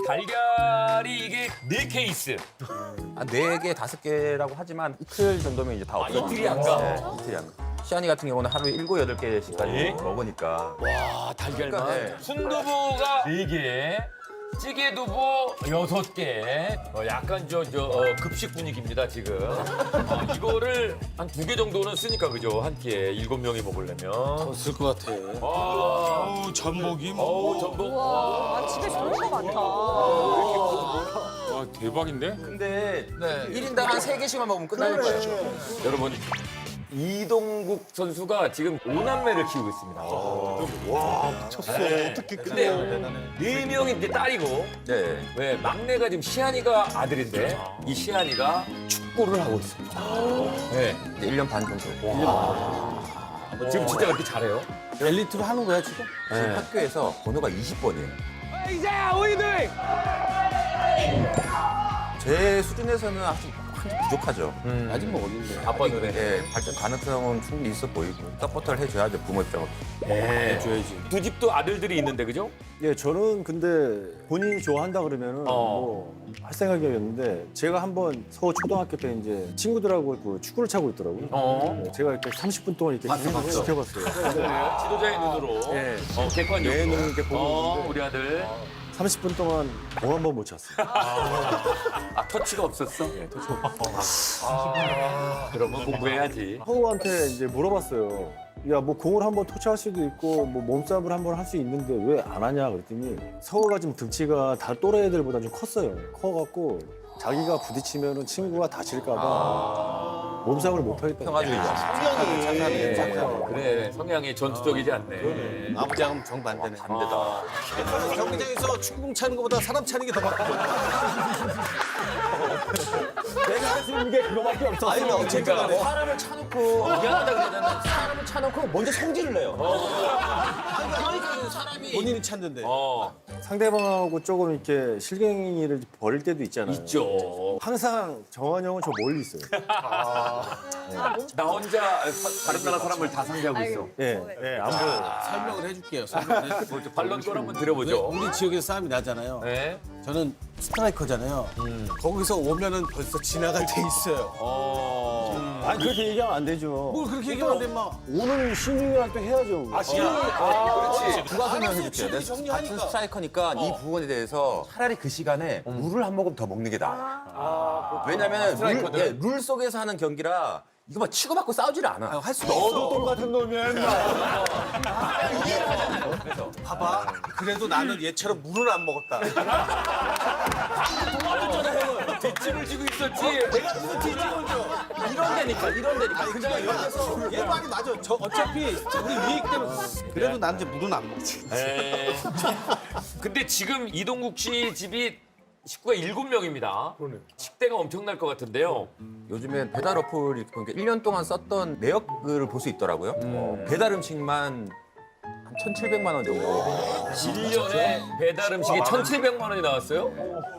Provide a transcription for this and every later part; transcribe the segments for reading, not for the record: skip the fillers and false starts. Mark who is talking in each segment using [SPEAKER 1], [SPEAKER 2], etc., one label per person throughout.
[SPEAKER 1] 달걀이 이게 4케이스.
[SPEAKER 2] 한 4개, 5개라고 하지만 이틀 정도면 이제 다 없어요.
[SPEAKER 1] 이틀이 안 가?
[SPEAKER 2] 네, 이틀이 안 가. 시안이 같은 경우는 하루에 7, 8개씩까지
[SPEAKER 1] 예?
[SPEAKER 2] 먹으니까.
[SPEAKER 1] 와, 달걀만.
[SPEAKER 2] 네.
[SPEAKER 1] 순두부가 4개. 찌개두부 6개. 약간 급식 분위기입니다, 지금. 이거를 한 2개 정도는 쓰니까, 그죠? 한 끼에 7명이 먹으려면.
[SPEAKER 3] 쓸 것 같아.
[SPEAKER 1] 아,
[SPEAKER 3] 전복이
[SPEAKER 1] 전복.
[SPEAKER 4] 아, 집에 좋은 거 많다.
[SPEAKER 3] 와, 대박인데?
[SPEAKER 2] 근데 1인당 한 3개씩만 먹으면 끝나는 거예요.
[SPEAKER 1] 여러분, 이동국 선수가 지금 5남매를 키우고 있습니다.
[SPEAKER 5] 쳤어.
[SPEAKER 1] 네.
[SPEAKER 5] 어떻게
[SPEAKER 1] 근데 4명이 이제 딸이고,
[SPEAKER 2] 네.
[SPEAKER 1] 왜 막내가 지금 시안이가 아들인데 이 시안이가 축구를 하고 있습니다. 네.
[SPEAKER 2] 이제 1년 반 정도.
[SPEAKER 1] 지금 진짜 그렇게 잘해요?
[SPEAKER 3] 엘리트로 하는 거야, 지금?
[SPEAKER 2] 지금 학교에서 번호가 20번이에요. 제 수준에서는 아직 한참 부족하죠.
[SPEAKER 3] 아직 뭐 어린데.
[SPEAKER 1] 아빠 눈에.
[SPEAKER 2] 예, 발전 가능성은 충분히 있어 보이고 서포터를 해줘야죠, 부모 입장으로.
[SPEAKER 1] 네.
[SPEAKER 3] 줘야지.
[SPEAKER 1] 두 집도 아들들이 있는데, 그죠?
[SPEAKER 5] 예, 저는 근데 본인이 좋아한다 그러면은 뭐 할 생각이었는데 제가 한번 서울 초등학교 때 이제 친구들하고 그 축구를 차고 있더라고요. 네, 제가 이렇게 30분 동안 이렇게 진행을 시켜봤어요.
[SPEAKER 1] 지도자의 눈으로.
[SPEAKER 5] 예.
[SPEAKER 1] 객관적으로.
[SPEAKER 5] 내 눈을 이렇게 보고 있는데
[SPEAKER 1] 우리 아들.
[SPEAKER 5] 30분 동안 공 한 번 못 찼어요.
[SPEAKER 1] 아, 터치가 없었어? 예, 그러면 공부해야지.
[SPEAKER 5] 서우한테 이제 물어봤어요. 야, 뭐 공을 한번 터치할 수도 있고 뭐 몸싸움을 한번 할 수 있는데 왜 안 하냐 그랬더니 서우가 지금 등치가 다 또래 애들보다 좀 컸어요. 커갖고 자기가 부딪히면은 친구가 다칠까 봐 몸싸움을 못 하겠다.
[SPEAKER 2] 평화주의자.
[SPEAKER 1] 그래, 성향이 전투적이지 않네.
[SPEAKER 3] 아버지하고는 정반대네.
[SPEAKER 2] 반대다.
[SPEAKER 3] 경기장에서 축구공 차는 것보다 사람 차는 게 더 바쁘거든.
[SPEAKER 5] 내가 할 수 있는 게 그거밖에 없었어.
[SPEAKER 3] 아니, 나 어쨌든
[SPEAKER 2] 사람을 차놓고 미안하다 그러잖아. 사람을 차놓고 먼저 성질을 내요. 그러니까 사람이
[SPEAKER 3] 본인이 찾는데.
[SPEAKER 5] 상대방하고 조금 이렇게 실갱이를 벌일 때도 있잖아요.
[SPEAKER 1] 있죠.
[SPEAKER 5] 항상 정환 형은 저 멀리 있어요.
[SPEAKER 1] 나 혼자 다른 나라 사람을 다 상대하고 있어.
[SPEAKER 5] 예, 예, 안 보여요.
[SPEAKER 3] 설명을 해줄게요. 설명을 해줄게요.
[SPEAKER 1] 뭐 반론 걸 한번 드려보죠.
[SPEAKER 3] 우리 지역에서 싸움이 나잖아요.
[SPEAKER 1] 네.
[SPEAKER 3] 저는 스트라이커잖아요. 거기서 오면은 벌써 지나갈 때 있어요.
[SPEAKER 5] 아니, 그렇게 얘기하면 안 되죠.
[SPEAKER 3] 뭘 그렇게 얘기하는데 막.
[SPEAKER 5] 오늘 신중할 때 해야죠.
[SPEAKER 1] 그렇지.
[SPEAKER 2] 누가 설명해줄게요.
[SPEAKER 3] 친구
[SPEAKER 2] 내가
[SPEAKER 3] 정리하니까.
[SPEAKER 2] 같은 스트라이커니까 이 부분에 대해서 차라리 그 시간에 물을 한 모금 더 먹는 게 나아. 왜냐면 룰 속에서 하는 경기라 이거 막 치고받고 싸우지를 않아.
[SPEAKER 3] 할 수가 없어.
[SPEAKER 5] 똑같은 놈이야.
[SPEAKER 3] 봐봐. 그래도 나는 얘처럼 물은 안 먹었다.
[SPEAKER 1] 뒷짐을 지고 있었지. 내가 무슨 뒷짐을 줘.
[SPEAKER 2] 이런 데니까.
[SPEAKER 3] 그냥 이런 데서 얘 말이 맞아. 저 어차피 우리 위에 있기 때문에. 그래도 난 이제 물은 안 먹지.
[SPEAKER 1] 에. 근데 지금 이동국 씨 집이 식구가 7명입니다. 식대가 엄청날 것 같은데요.
[SPEAKER 2] 요즘에 배달 어플이 그러니까 1년 동안 썼던 내역을 볼 수 있더라고요. 배달 음식만 한 1,700만 원 정도.
[SPEAKER 1] 1년에 배달 음식이 1,700만 원이 나왔어요?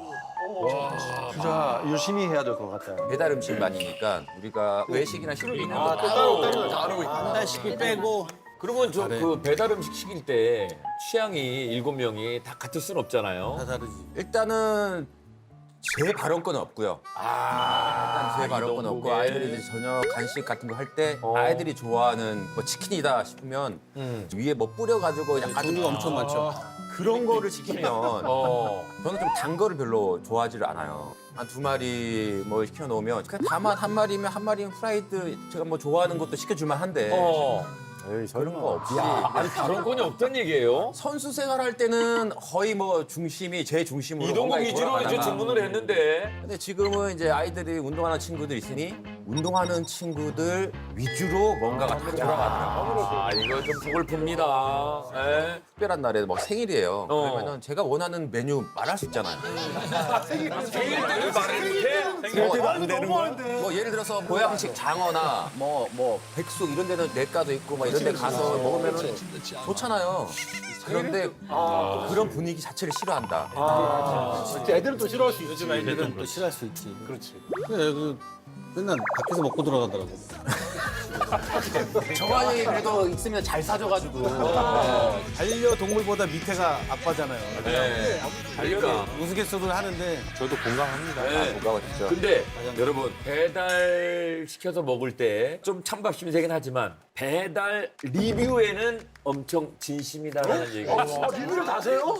[SPEAKER 6] 진짜 열심히 해야 될 것 같아요.
[SPEAKER 2] 배달 음식만이니까 우리가 외식이나 식비는 뭐
[SPEAKER 3] 한 달씩을 빼고.
[SPEAKER 1] 그러면 그 배달 음식 시킬 때 취향이 7명이 다 같을 순 없잖아요.
[SPEAKER 3] 다 다르지.
[SPEAKER 2] 일단은 제 발언권은 없고요. 일단 제 발언권은 없고
[SPEAKER 1] 이동국의.
[SPEAKER 2] 아이들이 이제 저녁 간식 같은 거 할 때 아이들이 좋아하는 뭐 치킨이다 싶으면 위에 뭐 뿌려가지고 약간
[SPEAKER 3] 종류가 엄청 많죠.
[SPEAKER 2] 그런 거를 시키면
[SPEAKER 1] 어.
[SPEAKER 2] 저는 좀 단 거를 별로 좋아하지를 않아요. 한 2마리 뭐 시켜놓으면 그냥 다만 한 마리면 한 마리는 프라이드 제가 뭐 좋아하는 것도 시켜줄만 한데
[SPEAKER 5] 에이,
[SPEAKER 2] 그런 거 없이
[SPEAKER 1] 아니 발언권이 없단 얘기예요?
[SPEAKER 2] 선수 생활할 때는 거의 뭐 중심이 제 중심으로
[SPEAKER 1] 이동국
[SPEAKER 2] 뭔가
[SPEAKER 1] 위주로 이제
[SPEAKER 2] 돌아가다가
[SPEAKER 1] 주문을 했는데
[SPEAKER 2] 근데 지금은 이제 아이들이 운동하는 친구들 있으니 운동하는 친구들 위주로 뭔가가 다 돌아가더라고요.
[SPEAKER 1] 아 이거 좀 속을 풉니다. 예.
[SPEAKER 2] 특별한 날에 뭐 생일이에요.
[SPEAKER 1] 어.
[SPEAKER 2] 그러면은 제가 원하는 메뉴 말할 수 있잖아요.
[SPEAKER 1] 생일 때를 말을 못해?
[SPEAKER 5] 안 되는 거야?
[SPEAKER 2] 뭐 예를 들어서 보양식 장어나 뭐 백숙 이런 데는 내과도 있고 막 이런 데 가서 먹으면 좋잖아요. 그런데 그런 분위기 자체를 싫어한다.
[SPEAKER 5] 애들은 또 싫어할 수 있지.
[SPEAKER 3] 요즘 아이들은 또 싫어할 수 있지. 그렇지. 그래, 맨날 밖에서 먹고 들어가더라고.
[SPEAKER 2] 정환이 그래도 있으면 잘 사줘가지고.
[SPEAKER 3] 반려동물보다 밑에가 아빠잖아요.
[SPEAKER 1] 그러니까.
[SPEAKER 3] 우스갯소리를 하는데
[SPEAKER 6] 저도 공감합니다.
[SPEAKER 1] 네.
[SPEAKER 2] 뭐가
[SPEAKER 1] 근데 여러분 배달 시켜서 먹을 때 좀 찬밥심이 세긴 하지만 배달 리뷰에는 엄청 진심이다라는 얘기가 있어요.
[SPEAKER 3] 리뷰를 다세요?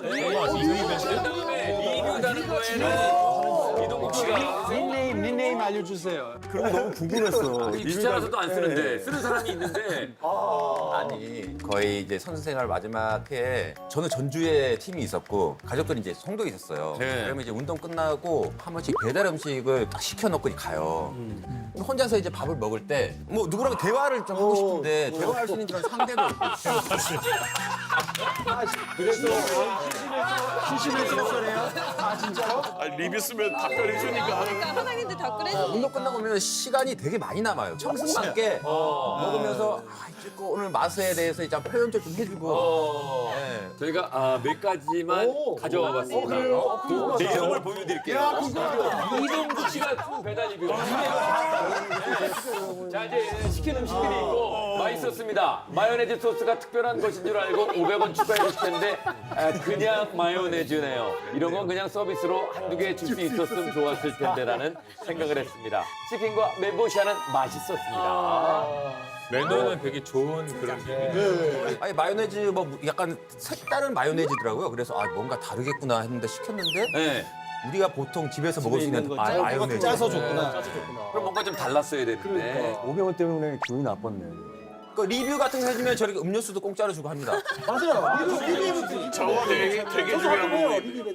[SPEAKER 1] 리뷰다는 거에는 이동국 씨가
[SPEAKER 3] 닉네임 알려주세요.
[SPEAKER 5] 그런 거 너무 궁금했어.
[SPEAKER 1] 귀찮아서도 안 쓰는데 쓰는 사람이 있는데
[SPEAKER 2] 아니 거의 이제 선수 생활 마지막 해에 저는 전주에 팀이 있었고 가족들이 이제 송도에 있었어요.
[SPEAKER 1] 네.
[SPEAKER 2] 그러면 이제 운동 끝나고 한 번씩 배달 음식을 딱 시켜놓고 가요. 그럼 혼자서 이제 밥을 먹을 때 뭐 누구랑 대화를 좀 하고 싶은데 대화할 수 있는 그런 상대도 없고.
[SPEAKER 6] 리뷰 쓰면 답변해 주니까.
[SPEAKER 4] 그러니까 사장님들 댓글 해주니까.
[SPEAKER 2] 운동 끝나고 오면 시간이 되게 많이 남아요. 청승맞게 먹으면서 이제 오늘 맛에 대해서 이제 표현도 좀 해주고. 네.
[SPEAKER 1] 저희가 몇 가지만 가져와 봤습니다. 내용을 보여드릴게요. 이동국 씨가 배달 리뷰. 자 이제 시킨 음식들이 있고 맛있었습니다. 마요네즈 소스가 특별한 것인 줄 알고 500원 추가해서 시켰는데 그냥 마요네즈네요. 이런 건 그냥 서비스로 한두 개 줄 수 있었으면 좋았을 텐데라는 생각을 했습니다. 치킨과 멘보샤는 맛있었습니다.
[SPEAKER 7] 매너는 되게 좋은 그런 얘기.
[SPEAKER 2] 아니 마요네즈 뭐 약간 색다른 마요네즈더라고요. 그래서 아 뭔가 다르겠구나 했는데 시켰는데
[SPEAKER 1] 네.
[SPEAKER 2] 우리가 보통 집에서 먹을 수 있는 마요네즈.
[SPEAKER 3] 짜서 줬구나.
[SPEAKER 1] 그럼 뭔가 좀 달랐어야 되는데.
[SPEAKER 5] 500원 때문에 기분이 나빴네.
[SPEAKER 2] 그 리뷰 같은 거 해주면 저렇게 음료수도 공짜로 주고 합니다.
[SPEAKER 6] 저거 되게 중요한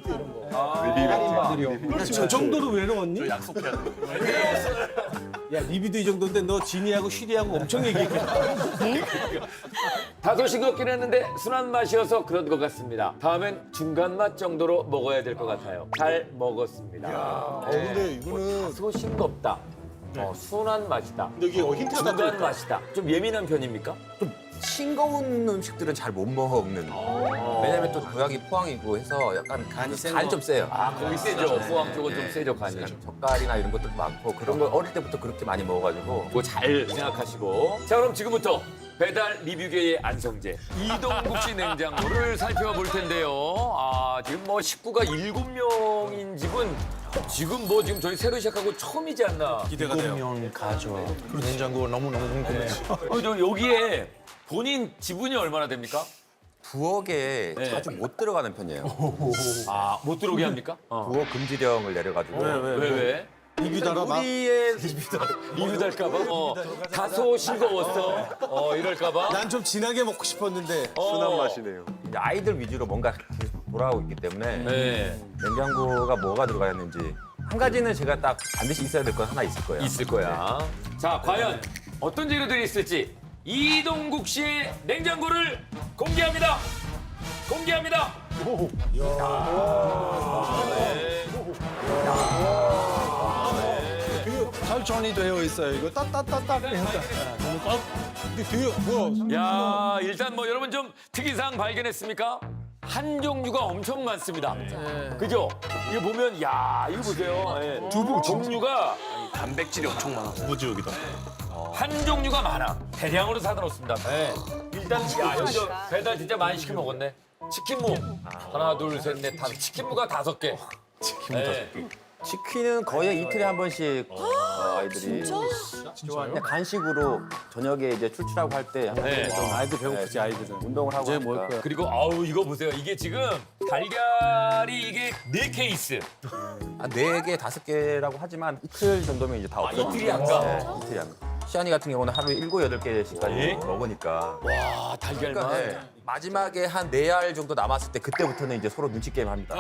[SPEAKER 6] 거.
[SPEAKER 3] 저 정도로 외로웠니?
[SPEAKER 6] 약속해야 돼.
[SPEAKER 3] 야 리뷰도 이 정도인데 너 진이하고 슈리하고 엄청 얘기했겠다.
[SPEAKER 1] 다소 싱겁긴 했는데 순한 맛이어서 그런 것 같습니다. 다음엔 중간 맛 정도로 먹어야 될 것 같아요. 잘 먹었습니다.
[SPEAKER 3] 근데 이거는
[SPEAKER 1] 다소 싱겁다. 순한 맛이다.
[SPEAKER 3] 여기 힌트가 다
[SPEAKER 1] 중간 맛이다. 좀 예민한 편입니까?
[SPEAKER 2] 싱거운 음식들은 잘 못 먹는. 왜냐면 또 고향이 포항이고 해서 약간 간이 좀 세요.
[SPEAKER 1] 거기 세죠. 포항 쪽은 좀 세죠, 간이.
[SPEAKER 2] 젓갈이나 이런 것도 많고 그런 걸 어릴 때부터 그렇게 많이 먹어가지고.
[SPEAKER 1] 그거 잘 생각하시고. 자, 그럼 지금부터 배달 리뷰계의 안성재 이동국 씨 냉장고를 살펴볼 텐데요. 지금 뭐 식구가 7명인 집은 지금 지금 저희 새로 시작하고 처음이지 않나.
[SPEAKER 3] 기대가 돼요.
[SPEAKER 6] 면 가져. 그 냉장고 너무너무 궁금해.
[SPEAKER 1] 저 여기에 본인 지분이 얼마나 됩니까?
[SPEAKER 2] 부엌에
[SPEAKER 1] 네.
[SPEAKER 2] 자주 못 들어가는 편이에요.
[SPEAKER 1] 못 들어오게 합니까?
[SPEAKER 2] 부엌 금지령을 내려가지고.
[SPEAKER 1] 왜?
[SPEAKER 3] 리뷰 달아 막.
[SPEAKER 2] 우리의
[SPEAKER 1] 리뷰 달까봐? 다소 싱거웠어. 이럴까봐?
[SPEAKER 3] 난 좀 진하게 먹고 싶었는데.
[SPEAKER 5] 순한 맛이네요.
[SPEAKER 2] 이제 아이들 위주로 뭔가 계속 돌아오고 있기 때문에
[SPEAKER 1] 네.
[SPEAKER 2] 냉장고가 뭐가 들어가 있는지 한 가지는 제가 딱 반드시 있어야 될 건 하나 있을 거예요.
[SPEAKER 1] 있을 거야. 자, 과연 어떤 재료들이 있을지 이동국 씨의 냉장고를 공개합니다. 공개합니다.
[SPEAKER 6] 잘 정리되어 있어요. 이거 따따따따. 근데 뒤에 뭐야?
[SPEAKER 1] 야, 일단 뭐 여러분 좀 특이사항 발견했습니까? 한 종류가 엄청 많습니다. 그죠? 이거 보면 야, 이거 보세요. 두부 종류가
[SPEAKER 6] 단백질이 엄청 많아. 두부지옥이다.
[SPEAKER 1] 한 종류가 많아. 대량으로 사다 놓습니다. 일단 야, 여기 배달 진짜 많이 시켜 먹었네. 치킨무 하나, 둘, 셋, 넷, 다섯. 치킨무가 5개. 치킨무 5개.
[SPEAKER 2] 치킨은 거의 이틀에 한 번씩 아이들이 그냥 간식으로 저녁에 이제 출출하고 할 때 항상
[SPEAKER 1] 네.
[SPEAKER 2] 좀
[SPEAKER 3] 아이들 배고프지 아이들은.
[SPEAKER 2] 운동을 하고
[SPEAKER 3] 이제 뭘
[SPEAKER 2] 하니까.
[SPEAKER 3] 거야?
[SPEAKER 1] 그리고 이거 보세요. 이게 지금 달걀이 이게 4케이스.
[SPEAKER 2] 4개, 5개라고 하지만 이틀 정도면 이제 다 없어요.
[SPEAKER 1] 이틀이 안 가?
[SPEAKER 2] 네, 이틀이 안 가. 시안이 같은 경우는 하루에 7, 8개씩까지 먹으니까.
[SPEAKER 1] 와, 달걀만.
[SPEAKER 2] 그러니까 네, 마지막에 한 4알 정도 남았을 때 그때부터는 이제 서로 눈치 게임 합니다.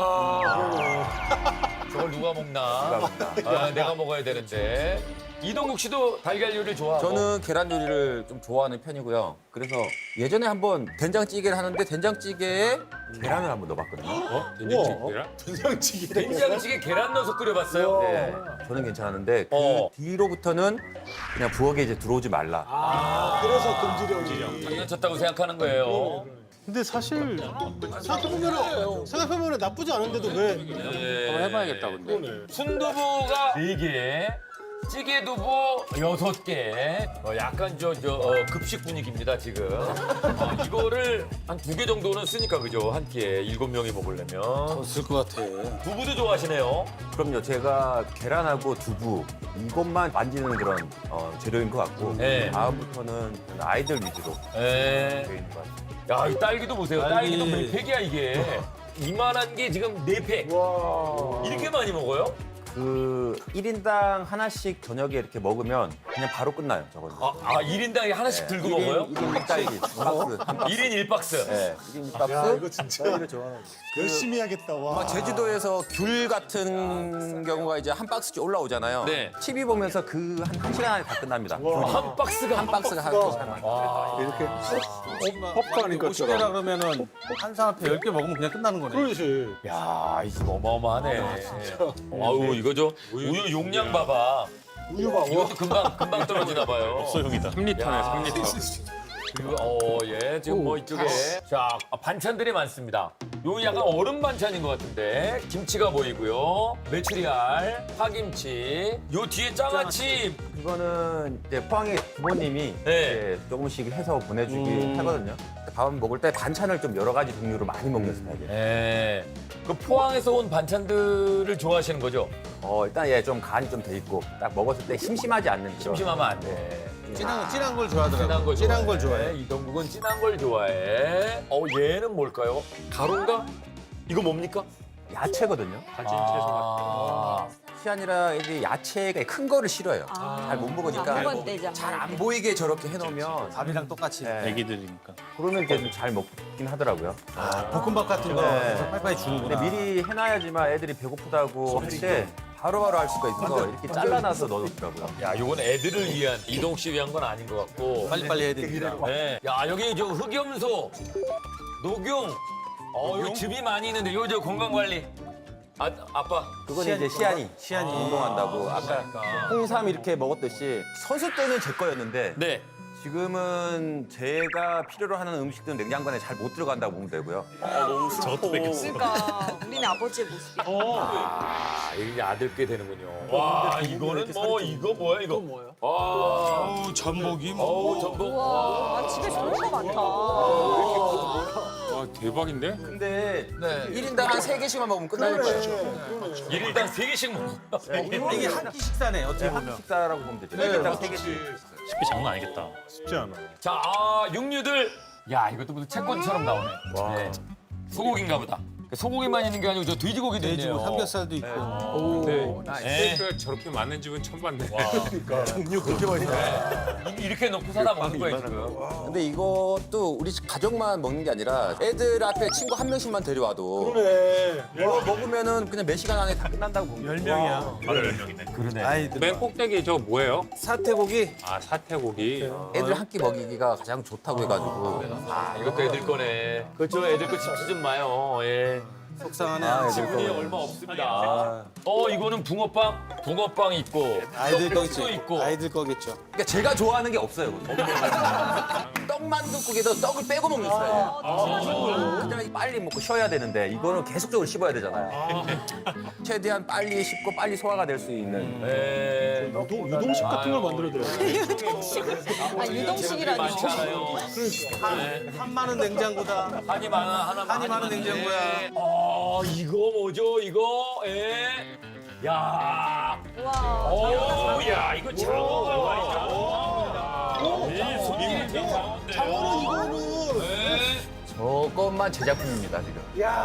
[SPEAKER 1] 저걸 누가 먹나? 내가 먹어야 되는데. 이동국 씨도 달걀 요리를 좋아하고.
[SPEAKER 2] 저는 계란 요리를 좀 좋아하는 편이고요. 그래서 예전에 한번 된장찌개를 하는데 된장찌개에 계란을 한번 넣어봤거든요.
[SPEAKER 1] 된장찌개 계란 넣어서 끓여봤어요?
[SPEAKER 2] 네, 저는 괜찮았는데 그
[SPEAKER 1] 어.
[SPEAKER 2] 뒤로부터는 그냥 부엌에 이제 들어오지 말라.
[SPEAKER 3] 그래서 금지령이.
[SPEAKER 1] 장난쳤다고 생각하는 거예요.
[SPEAKER 6] 근데 사실 생각해보면 나쁘지 않은데도 왜?
[SPEAKER 1] 해봐야겠다, 근데. 순두부가 4개, 찌개 두부 6개. 약간 급식 분위기입니다, 지금. 이거를 한 2개 정도는 쓰니까, 그죠? 한 끼에 7명이 먹으려면.
[SPEAKER 3] 없을 것 같아.
[SPEAKER 1] 두부도 좋아하시네요.
[SPEAKER 2] 그럼요. 제가 계란하고 두부 이것만 만지는 그런 재료인 것 같고
[SPEAKER 1] 네.
[SPEAKER 2] 다음부터는 아이들 위주로
[SPEAKER 1] 예.
[SPEAKER 2] 되어 있는 것 같아요.
[SPEAKER 1] 야, 이 딸기도 보세요.
[SPEAKER 3] 딸기.
[SPEAKER 1] 딸기도 몇 팩이야, 이게. 이만한 게 지금 4팩. 이렇게 많이 먹어요?
[SPEAKER 2] 그 1인당 하나씩 저녁에 이렇게 먹으면 그냥 바로 끝나요. 저거는.
[SPEAKER 1] 1인당에 하나씩 들고 먹어요?
[SPEAKER 2] 1인 딸기 박스. 한 박스.
[SPEAKER 1] 1인 1박스.
[SPEAKER 2] 네, 1인 박스.
[SPEAKER 6] 이거 진짜
[SPEAKER 5] 딸기를 좋아하는
[SPEAKER 6] 열심히 해야겠다. 와.
[SPEAKER 2] 제주도에서 귤 같은 경우가 이제 한 박스씩 올라오잖아요.
[SPEAKER 1] 네.
[SPEAKER 2] TV 보면서 그 한 시간 안에 다 끝납니다.
[SPEAKER 1] 한 박스가
[SPEAKER 2] 한 박스가 한 시간 안에.
[SPEAKER 5] 이렇게
[SPEAKER 3] popcorn이니까 꼬시게라 그러면은 한 사람 앞에 10개 먹으면 그냥 끝나는 거네.
[SPEAKER 6] 그렇지.
[SPEAKER 1] 야, 이 집 어마어마하네. 아우, 이거 우유 용량 봐봐.
[SPEAKER 6] 우유 봐.
[SPEAKER 1] 이것도 금방 떨어지나 봐요.
[SPEAKER 7] 소용이다. 3리터네, 3리터.
[SPEAKER 1] 그리고 예, 지금 뭐 이쪽에 자, 반찬들이 많습니다. 요 약간 얼음 반찬인 것 같은데 김치가 보이고요. 메추리알, 파김치, 요 뒤에 장아찌.
[SPEAKER 2] 그거는 이제 포항에 부모님이
[SPEAKER 1] 네.
[SPEAKER 2] 이제 조금씩 해서 보내주긴 하거든요. 밥 먹을 때 반찬을 좀 여러 가지 종류로 많이 먹는 스타일이에요.
[SPEAKER 1] 예. 그 포항에서 온 반찬들을 좋아하시는 거죠?
[SPEAKER 2] 일단 좀 간이 좀 돼 있고 딱 먹었을 때 심심하지 않는 그런.
[SPEAKER 1] 심심하면 안 돼.
[SPEAKER 3] 진한 걸 좋아하더라고.
[SPEAKER 1] 진한 걸
[SPEAKER 3] 좋아해.
[SPEAKER 1] 좋아해. 이동국은 진한 걸 좋아해. 얘는 뭘까요? 가루인가? 이거 뭡니까?
[SPEAKER 2] 야채거든요.
[SPEAKER 7] 가진 채소
[SPEAKER 1] 아,
[SPEAKER 2] 시안이라 애들이 야채가 큰 거를 싫어해요. 잘 못 먹으니까
[SPEAKER 4] 한번 떼자.
[SPEAKER 2] 잘 안 보이게 저렇게 해놓으면
[SPEAKER 3] 밥이랑 똑같이.
[SPEAKER 2] 네.
[SPEAKER 6] 애기들이니까.
[SPEAKER 2] 그러면 이제 좀 잘 먹긴 하더라고요.
[SPEAKER 3] 볶음밥 같은 거
[SPEAKER 2] 네.
[SPEAKER 3] 그래서 빨리빨리 주는구나.
[SPEAKER 2] 근데 미리 해놔야지만 애들이 배고프다고 할 때 바로바로 할 수가 있어서 이렇게 잘라놔서 넣어놓더라고요.
[SPEAKER 1] 야, 이건 애들을 위한 이동 씨 위한 건 아닌 것 같고.
[SPEAKER 3] 빨리빨리 해야 되니까.
[SPEAKER 1] 네. 야, 여기 저 흑염소, 녹용. 이거 즙이 많이 있는데 이거 저 건강 관리. 아빠.
[SPEAKER 2] 그건 이제 시안이 운동한다고 아까
[SPEAKER 1] 그러니까.
[SPEAKER 2] 홍삼 이렇게 먹었듯이 선수 때는 제 거였는데
[SPEAKER 1] 네.
[SPEAKER 2] 지금은 제가 필요로 하는 음식들은 냉장고에 잘 못 들어간다고 보면 되고요.
[SPEAKER 6] 저것도 뺏겼어.
[SPEAKER 4] 그러니까 우리는 아버지의 모습이.
[SPEAKER 1] 이게 아들께 되는군요. 와, 이거는 뭐 이거 뭐야 이거? 뭐예요? 와,
[SPEAKER 6] 전복이
[SPEAKER 1] 전복.
[SPEAKER 4] 와, 집에 좋은 거 많다.
[SPEAKER 7] 와, 대박인데?
[SPEAKER 2] 근데 1인당 한 3개씩만 먹으면 끝날 거예요.
[SPEAKER 1] 1일당 3개씩 먹어.
[SPEAKER 3] 이게 한 끼 식사네 어떻게
[SPEAKER 2] 한
[SPEAKER 3] 보면.
[SPEAKER 2] 식사라고 보면 되죠. 1인당 3개씩.
[SPEAKER 7] 쉽게 장난 아니겠다.
[SPEAKER 6] 쉽지 않아.
[SPEAKER 1] 자, 육류들. 야, 이것도 무슨 채권처럼 나오네. 네. 소고기인가 보다. 소고기만 있는 게 아니고 저 돼지고기도 있네요.
[SPEAKER 3] 돼지고 삼겹살도 있고.
[SPEAKER 7] 근데
[SPEAKER 1] 네.
[SPEAKER 7] 스테이크가 저렇게 많은 집은 처음 봤네.
[SPEAKER 5] 종류 그렇게 많이
[SPEAKER 1] 이렇게 넣고 사다 먹는 거예요, 지금.
[SPEAKER 2] 근데 이것도 우리 집 가족만 먹는 게 아니라 애들 앞에 친구 한 명씩만 데려와도 이거 먹으면은 그냥 몇 시간 안에 다 끝난다고 보면
[SPEAKER 3] 10명이야.
[SPEAKER 7] 바로 10명이네.
[SPEAKER 1] 그러네.
[SPEAKER 3] 아이들.
[SPEAKER 7] 맨 꼭대기 저거 뭐예요?
[SPEAKER 3] 사태고기.
[SPEAKER 7] 아, 사태고기.
[SPEAKER 2] 애들 한 끼 먹이기가 가장 좋다고 해가지고
[SPEAKER 1] 이것도 애들 거네. 그렇죠, 애들 거 집지 좀 마요. 예.
[SPEAKER 3] 속상하네.
[SPEAKER 1] 지분이 얼마 없습니다. 이거는 붕어빵 있고,
[SPEAKER 3] 아이들
[SPEAKER 1] 떡국수
[SPEAKER 3] 거겠죠.
[SPEAKER 1] 있고.
[SPEAKER 3] 아이들 거겠죠.
[SPEAKER 2] 그러니까 제가 좋아하는 게 없어요. 떡만둣국에도 떡을 빼고 먹는 스타일이에요. 그냥 빨리 먹고 쉬어야 되는데 이거는 계속적으로 씹어야 되잖아요. 최대한 빨리 씹고 빨리 소화가 될 수 있는.
[SPEAKER 1] 예.
[SPEAKER 6] 유동식 같은 걸 만들어줘요.
[SPEAKER 4] 유동식이라니.
[SPEAKER 1] 많잖아요.
[SPEAKER 3] 한마는 냉장고다.
[SPEAKER 1] 한이 많은
[SPEAKER 3] 냉장고야.
[SPEAKER 1] 이거 뭐죠? 이거? 예. 야.
[SPEAKER 4] 와.
[SPEAKER 1] 야, 이거 장어가 말이죠. 이 손님이 장어는 이거는.
[SPEAKER 2] 저것만 제작품입니다 지금.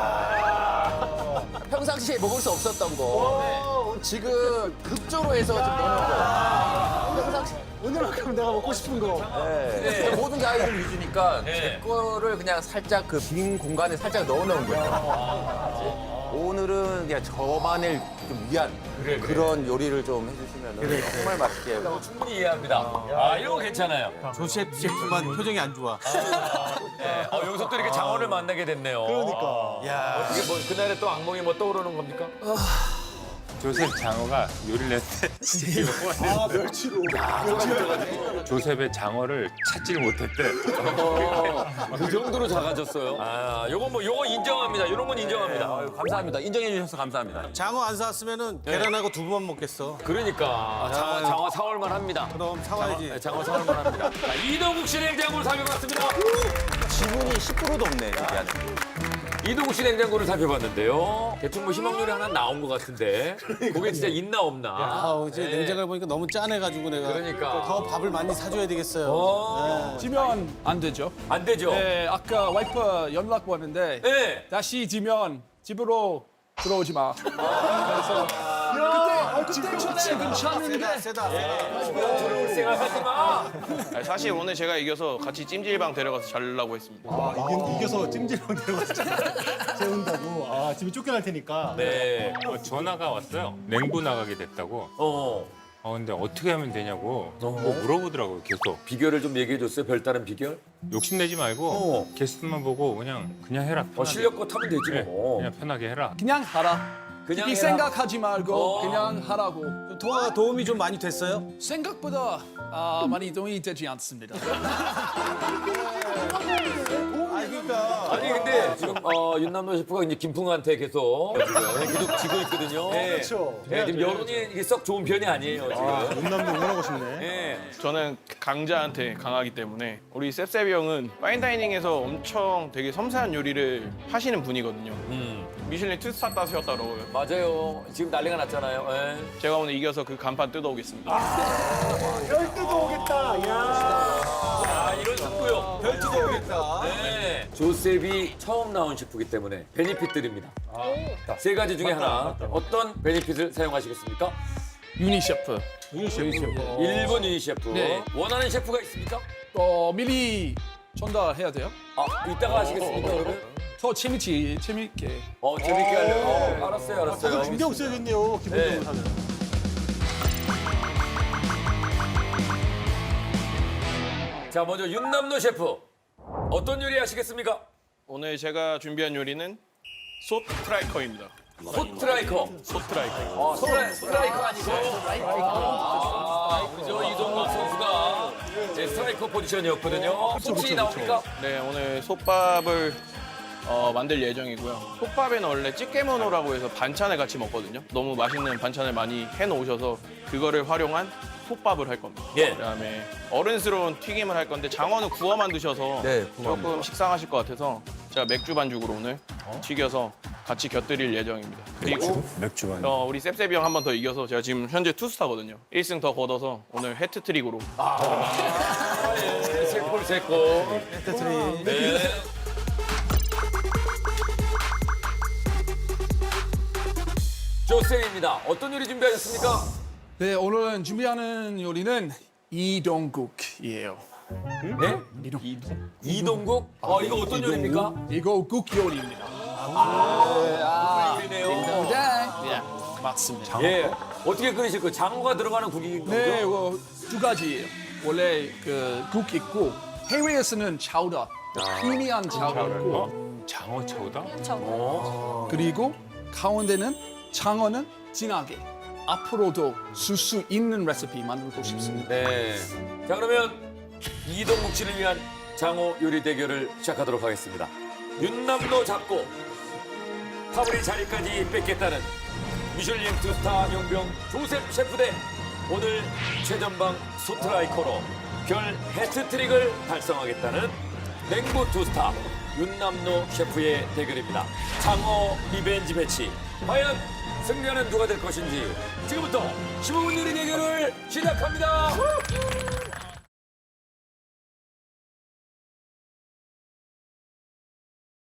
[SPEAKER 2] 평상시에 먹을 수 없었던 거 지금 급조로 해서 지금 넣는 거. 평상시
[SPEAKER 5] 오늘만큼 내가 먹고 싶은 거.
[SPEAKER 2] 네. 모든 게 아이들 위주니까
[SPEAKER 1] 네.
[SPEAKER 2] 제 거를 그냥 살짝 그 빈 공간에 살짝 넣어놓은 거예요. 오늘은 그냥 저만을 좀 위한 그런 요리를 좀 해주시면 정말 맛있게.
[SPEAKER 1] 충분히 이해합니다. 이런 거 괜찮아요.
[SPEAKER 3] 조 셰프만 표정이 안 좋아.
[SPEAKER 1] 네. 여기서 또 이렇게 장어를 만나게 됐네요.
[SPEAKER 5] 그러니까.
[SPEAKER 3] 야.
[SPEAKER 1] 이게 뭐 그날에 또 악몽이 뭐 떠오르는 겁니까?
[SPEAKER 7] 조셉 장어가 요리를 했을 때 진짜
[SPEAKER 6] 아, 멸치로.
[SPEAKER 7] 조셉의 장어를 찾지를 못했대.
[SPEAKER 1] 그 정도로 작아졌어요. 아, 요거 인정합니다. 요런 건 인정합니다.
[SPEAKER 2] 아유, 감사합니다. 인정해 주셔서 감사합니다.
[SPEAKER 3] 장어 안 사왔으면은 계란하고 두부만 먹겠어.
[SPEAKER 1] 그러니까 장어 사올만 합니다.
[SPEAKER 3] 그럼 사와야지.
[SPEAKER 1] 네, 장어 사올만 합니다. 자, 이동국 씨 냉장고를 살펴봤습니다.
[SPEAKER 2] 지분이 10%도 없네, 저기 안에.
[SPEAKER 1] 이동국 씨 냉장고를 살펴봤는데요. 대충 뭐 희망률이 하나 나온 것 같은데 그게 진짜 있나 없나.
[SPEAKER 3] 아우 이제 냉장고를 보니까 너무 짠해가지고 내가
[SPEAKER 1] 그러니까.
[SPEAKER 3] 더 밥을 많이 사줘야 되겠어요.
[SPEAKER 6] 지면 안 되죠.
[SPEAKER 1] 안 되죠.
[SPEAKER 6] 네, 아까 와이프 연락 왔는데
[SPEAKER 1] 네.
[SPEAKER 6] 다시 지면 집으로 들어오지 마. 그때 전에 괜찮은데.
[SPEAKER 3] 세다.
[SPEAKER 1] 생각하지 마.
[SPEAKER 8] 아니, 사실 오늘 제가 이겨서 같이 찜질방 데려가서 자려고 했습니다.
[SPEAKER 9] 이겨서 찜질방 데려가서 재운다고. 아, 집에 쫓겨날 테니까.
[SPEAKER 1] 네.
[SPEAKER 7] 전화가 왔어요. 냉부 나가게 됐다고. 근데 어떻게 하면 되냐고 뭐 물어보더라고요, 계속.
[SPEAKER 1] 비결을 좀 얘기해 줬어요. 별다른 비결?
[SPEAKER 7] 욕심내지 말고 게스트만 보고 그냥 해라. 편하게.
[SPEAKER 1] 실력껏 하면 되지
[SPEAKER 7] 네,
[SPEAKER 1] 뭐.
[SPEAKER 7] 그냥 편하게 해라.
[SPEAKER 6] 그냥 하라.
[SPEAKER 1] 그냥
[SPEAKER 6] 깊이
[SPEAKER 1] 해라.
[SPEAKER 6] 생각하지 말고 그냥 하라고.
[SPEAKER 3] 통화가 도움이 좀 많이 됐어요?
[SPEAKER 6] 생각보다 많이 도움이 되지 않습니다.
[SPEAKER 1] 아니 근데 지금 윤남노 셰프가 이제 김풍한테 계속 지고 있거든요. 그렇죠. 네, 지금 여론이 이게 썩 좋은 편이 아니에요 지금.
[SPEAKER 9] 윤남도 응원하고 싶네.
[SPEAKER 1] 네.
[SPEAKER 8] 저는 강자한테 강하기 때문에 우리 셉셉이 형은 파인다이닝에서 엄청 되게 섬세한 요리를 하시는 분이거든요. 미슐린 투스타 따셨다 그러고요.
[SPEAKER 1] 맞아요. 지금 난리가 났잖아요. 예.
[SPEAKER 8] 제가 오늘 이겨서 그 간판 뜯어오겠습니다.
[SPEAKER 1] 이런 승부요.
[SPEAKER 3] 별지도 오겠다.
[SPEAKER 1] 네. 조셉이 처음 나온 셰프이기 때문에 베니핏 드립니다. 세 가지 중에 하나 어떤 베니핏을 사용하시겠습니까?
[SPEAKER 6] 유니 셰프.
[SPEAKER 1] 일본 유니 셰프.
[SPEAKER 6] 네.
[SPEAKER 1] 원하는 셰프가 있습니까?
[SPEAKER 6] 미리 전달해야 돼요.
[SPEAKER 1] 이따가 하시겠습니까 그러면?
[SPEAKER 6] 더 재밌게.
[SPEAKER 1] 재밌게 하려고. 알았어요.
[SPEAKER 9] 다들 준비 없어야겠네요. 기본적으로
[SPEAKER 1] 네.
[SPEAKER 9] 다들.
[SPEAKER 1] 자, 먼저 윤남노 셰프. 어떤 요리 하시겠습니까?
[SPEAKER 8] 오늘 제가 준비한 요리는 소트라이커입니다.
[SPEAKER 1] 소트라이커.
[SPEAKER 8] 소트라이커.
[SPEAKER 1] 스트라이커 아니고. 우리 저 이동국 선수가 제 스트라이커 포지션이었거든요. 혹시 나옵니까?
[SPEAKER 8] 네, 오늘 솥밥을 만들 예정이고요. 솥밥에는 원래 찌개모노라고 해서 반찬을 같이 먹거든요. 너무 맛있는 반찬을 많이 해놓으셔서 그거를 활용한 솥밥을 할 겁니다.
[SPEAKER 1] 예.
[SPEAKER 8] 그다음에 어른스러운 튀김을 할 건데 장어는 구워만 드셔서
[SPEAKER 2] 네, 구워만.
[SPEAKER 8] 조금 식상하실 것 같아서 제가 맥주 반죽으로 오늘 튀겨서 같이 곁들일 예정입니다. 그리고
[SPEAKER 5] 맥주 많이.
[SPEAKER 8] 우리 셉셉이 형 한 번 더 이겨서 제가 지금 현재 투스타거든요. 1승 더 걷어서 오늘 해트트릭으로
[SPEAKER 1] 세골 세골. 네. 조쌤입니다. 어떤 요리 준비하셨습니까?
[SPEAKER 6] 네, 오늘 준비하는 요리는 이동국이에요.
[SPEAKER 1] 네? 이동국? 이거 어떤 요리입니까?
[SPEAKER 6] 이거 국 요리입니다.
[SPEAKER 1] 요리네요.
[SPEAKER 6] 네, 맞습니다.
[SPEAKER 1] 예. 어떻게 끓이실 거예요? 장어가 들어가는 국인 거죠?
[SPEAKER 6] 네, 이거 두 가지예요. 원래 그 국 있고 해외에서는 차우다, 희미한 차우다 있고
[SPEAKER 7] 장어 차우다?
[SPEAKER 6] 그리고 가운데는 장어는 진하게 앞으로도 쓸 수 있는 레시피 만들고 싶습니다.
[SPEAKER 1] 네. 자, 그러면 이동국 씨를 위한 장어 요리 대결을 시작하도록 하겠습니다. 윤남노 잡고 파브리 자리까지 뺏겠다는 미슐랭 투스타 용병 조셉 셰프 대 오늘 최전방 소트라이커로 별 해트트릭을 달성하겠다는 냉부 투스타 윤남노 셰프의 대결입니다. 장어 리벤지 매치. 과연 승리하는 누가 될 것인지 지금부터 15분 요리 대결을 시작합니다.